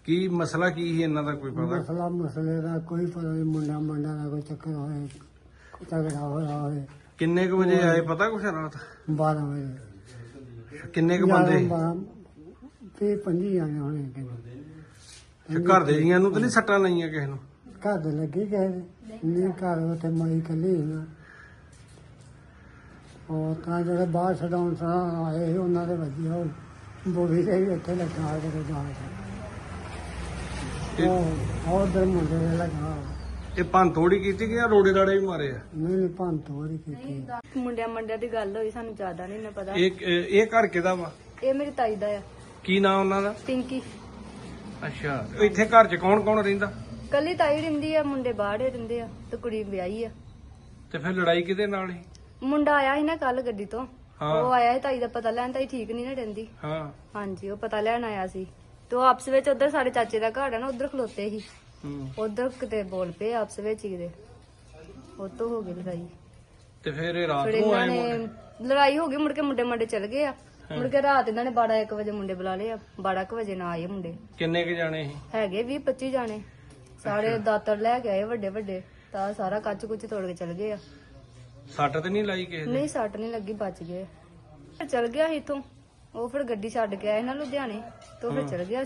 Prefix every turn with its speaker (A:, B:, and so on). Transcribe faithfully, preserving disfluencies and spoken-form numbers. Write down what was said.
A: ਕੀ ਮਸਲਾ ਕੀ ਸੀ ਇਹਨਾਂ ਦਾ ਕੋਈ ਪਤਾ?
B: ਮਸਲਾ ਮਸਲੇ ਦਾ ਕੋਈ ਪਤਾ ਨਹੀਂ। ਮੁੰਡਾ ਮੁੰਡਾ ਦਾ ਕੋਈ ਚੱਕਰ ਹੋਏ, ਝਗੜਾ ਹੋਇਆ ਹੋਵੇ।
A: ਕਿੰਨੇ ਕੁ ਵਜੇ ਆਏ ਪਤਾ ਕੁਛ ਰਾਤ?
B: ਬਾਰਾਂ ਵਜੇ।
A: ਕਿੰਨੇ ਕੁ ਬੰਦੇ ਸੀ?
B: ਵੀਹ ਪੰਜੀ ਆਏ ਹੋਣੇ ਕਿਤੇ।
A: ਤੇ ਘਰ ਦੇ ਜੀਆਂ ਨੂੰ ਤਾਂ ਨਹੀਂ ਸੱਟਾਂ ਲਾਈਆਂ ਕਿਸੇ ਨੂੰ?
B: ਘਰ ਦੇ ਲੱਗੀ ਗਏ ਨਹੀਂ, ਘਰ ਉੱਥੇ ਮਾਈ ਕੱਲੀ ਸੀ ਨਾ। ਉਹ ਤਾਂ ਜਿਹੜੇ ਬਾਹਰ ਛਡਾਉਣ ਸਾਂ ਆਏ ਸੀ ਉਹਨਾਂ ਦੇ ਵੱਜੀ ਉਹ ਬੋਲੀ ਦੇ ਵੀ ਉੱਥੇ ਲੱਗਾ ਕਿਤੇ ਜਾ ਕੇ। ਉਹ ਉਧਰ ਮੁੰਡੇ ਦੇ ਲੱਗਾ।
A: ਇਹ ਭੰਨ ਤੋੜੀ ਕੀਤੀ ਕਿ ਜਾਂ ਰੋੜੇ ਰਾੜੇ ਵੀ ਮਾਰੇ ਆ?
B: ਨਹੀਂ ਨਹੀਂ ਭੰਨ ਤੋੜ ਕੀਤੀ।
C: ਮੁੰਡਿਆਂ ਮੰਡਿਆਂ ਦੀ ਗੱਲ ਹੋਈ, ਸਾਨੂੰ ਜ਼ਿਆਦਾ ਨਹੀਂ ਨਾ ਪਤਾ।
A: ਇਹ ਇਹ ਘਰ ਕਿਹਦਾ ਵਾ?
C: ਇਹ ਮੇਰੀ ਤਾਈ ਦਾ ਆ।
A: ਕੀ ਨਾਂ ਉਹਨਾਂ ਦਾ?
C: ਪਿੰਕੀ।
A: ਅੱਛਾ, ਇੱਥੇ ਘਰ 'ਚ ਕੌਣ ਕੌਣ ਰਹਿੰਦਾ?
C: ਕੱਲੀ ਤਾਈ ਰਹਿੰਦੀ ਆ, ਮੁੰਡੇ ਬਾਹਰੇ ਰਹਿੰਦੇ ਆ ਤੇ ਕੁੜੀ ਵਿਆਹੀ ਆ।
A: ਤੇ ਫਿਰ ਲੜਾਈ ਕਿਹਦੇ ਨਾਲ ਸੀ?
C: ਮੁੰਡਾ ਆਇਆ ਸੀ ਨਾ ਕੱਲ ਗੱਡੀ ਤੋਂ।
A: ਹਾਂ।
C: ਉਹ ਆਇਆ ਸੀ ਤਾਈ ਦਾ ਪਤਾ ਲੈਣ। ਤਾਈ ਠੀਕ ਨਹੀਂ ਨਾ ਰਹਿੰਦੀ।
A: ਹਾਂ।
C: ਹਾਂਜੀ, ਉਹ ਪਤਾ ਲੈਣ ਆਇਆ ਸੀ ਤੇ ਉਹ ਆਪਸ ਵਿੱਚ ਉਧਰ ਸਾਡੇ ਚਾਚੇ ਦਾ ਘਰ ਆ ਨਾ, ਉਧਰ ਖਲੋਤੇ ਸੀ।
A: ਹੂੰ।
C: ਉਧਰ ਕਿਤੇ ਬੋਲ ਪਏ ਆਪਸ ਵਿੱਚ ਹੀ ਕਿਤੇ, ਉਹ ਤੋਂ ਹੋ ਗਈ ਲੜਾਈ।
A: ਤੇ ਫਿਰ ਇਹ ਰਾਤ
C: ਫਿਰ
A: ਨੂੰ
C: ਇਹਨਾਂ
A: ਆਏ
C: ਨੇ
A: ਮੁੰਡੇ?
C: ਲੜਾਈ ਹੋ ਗਈ, ਮੁੜ ਕੇ ਮੁੰਡੇ ਮੰਡੇ ਚਲ ਗਏ ਆ। ਮੁੜ ਕੇ ਰਾਤ ਇਹਨਾਂ ਨੇ ਬਾਰਾਂ ਇੱਕ ਵਜੇ ਮੁੰਡੇ ਬੁਲਾ ਲਏ ਆ। ਬਾਰਾਂ ਕੁ ਵਜੇ ਨਾ ਆਏ ਮੁੰਡੇ।
A: ਕਿੰਨੇ ਕੁ ਜਾਣੇ ਸੀ?
C: ਹੈਗੇ ਵੀਹ ਪੱਚੀ ਜਾਣੇ। ਸਾਰੇ ਦਾਤਰ ਲੈ ਕੇ ਆਏ ਵੱਡੇ ਵੱਡੇ, ਤਾਂ ਸਾਰਾ ਕੱਚ ਕੁੱਚ ਤੋੜ ਕੇ ਚਲ ਗਏ ਆ।
A: ਸੱਟ ਤੇ ਨਹੀਂ ਲਾਈ ਕਿਸੇ ਦੇ?
C: ਨਹੀਂ ਸੱਟ ਨਹੀਂ ਲੱਗੀ, ਬਚ ਗਏ। ਚਲ ਗਿਆ ਸੀ ਇੱਥੋਂ। ਉਹ ਫਿਰ ਗੱਡੀ ਛੱਡ ਕੇ ਆਏ ਨਾ ਲੁਧਿਆਣੇ, ਤੋਂ ਫਿਰ ਚਲ ਗਿਆ